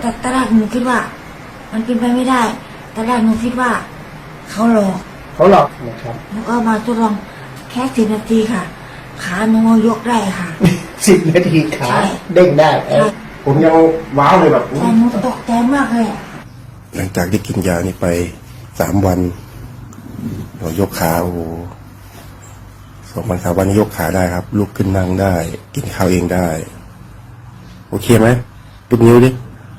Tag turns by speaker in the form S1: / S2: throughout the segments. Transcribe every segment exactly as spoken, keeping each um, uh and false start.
S1: แต่ตอนแรกหนูคิดว่า มันเป็นไปไม่ได้ตอนแรกหนูคิดว่าเขาหลอก
S2: เขาหลอกนะครับ
S1: แล้วก็มาทดลองแค่สิบนาทีค่ะ ขาหนูยกได้ค่ะ
S2: สิบนาทีขา
S1: ใช่
S2: เด้งได้
S1: ใช่
S2: ผมยังว้าวเลยแบบ
S1: แต่หนูตกใจมากเลยอะ
S3: หลังจากที่กินยานี้ไปสามวันเรายกขาโอ้โหสองวันสามวันนี้ยกขาได้ครับ ลุกขึ้นนั่งได้ กินข้าวเองได้ โอเคไหมยกนิ้วดิ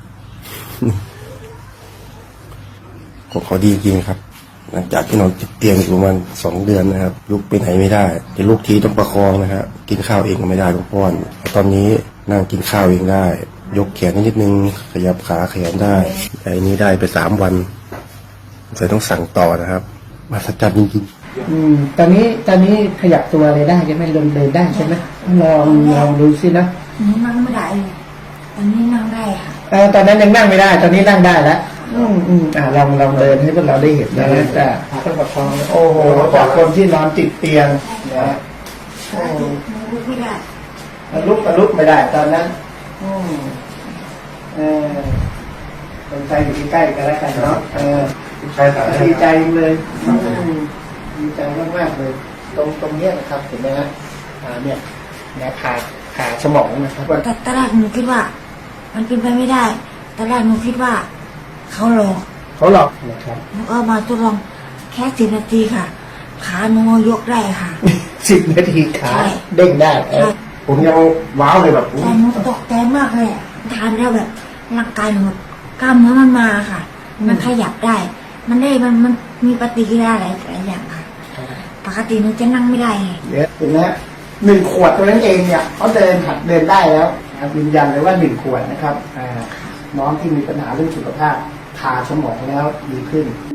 S3: ของเขาดีจริงครับ หลังจากที่นอนติดเตียงอยู่ประมาณสองเดือนนะครับ ลุกไปไหนไม่ได้จะลุกทีต้องประคองนะครับกินข้าวเองก็ไม่ได้ต้องป้อนแต่ตอนนี้นั่งกินข้าวเองได้ ยกแขนนิดนึงขยับขาแขนได้ไอ้นี้ได้ไปสามวันใส่ต้องสั่งต่อนะครับมาสัจจรรย์จริงๆ
S2: อืมตอนนี้ตอนนี้ขยับตัวอะไรได้ใช่ไหมเดินเดินได้ใช่ไหมลองลองดูสินะ
S1: หนูนั่งไม่ได้เลยตอนนี้นั่งได้ค่ะ
S2: เออตอนนั้นยังนั่งไม่ได้ ตอนนี้นั่งได้แล้วอืมอืมอ่าลองลองเดินให้พวกเราได้เห็นนะแต่ต้องประคองโอ้โหจากคนที่นอนติดเตียงนะโอ้
S1: หนูลุกไม่ได้
S2: ลุกก็ลุกไม่ได้ ตอนนั้นอืมเออคนใจอยู่ใกล้ๆกันแล้วกันเนาะเออ
S3: ใช่ครับ
S2: ดีใจเลยอืมดีใจมากๆเลย ตรงตรงเนี้ยนะครับเห็นไหมฮะอ่าเนี่ยนะขาขาสมองนะครับว่า
S1: แต่ตอนแรกหนูคิดว่า มันเป็นไปไม่ได้ตอนแรกหนูคิดว่าเขาหลอก
S2: เขาหลอกนะครับ
S1: แล้วก็มาทดลองแค่สิบนาทีค่ะ ขาหนูยกได้ค่ะ
S2: สิบนาทีขา
S1: ใช่
S2: เด้งได้
S1: ใช่
S2: ผมยังว้าวเลยแบบ
S1: แต่หนูตกใจมากเลยอะทานแล้วแบบร่างกายหนูแบบกล้ามเนื้อมันมาค่ะ มันขยับได้ มันได้มันมันมีปฏิกิริยาหลายหลายอย่างค่ะ ปกติหนูจะนั่งไม่ได้ไง
S2: เดี๋ยวเห็นไหมฮะหนึ่งขวดตัวนั้นเองเนี่ยเขาเดินหัดเดินได้แล้วนะครับยืนยันเลยว่าหนึ่งขวดนะครับอ่าน้องที่มีปัญหาเรื่องสุขภาพทาสมองแล้วดีขึ้น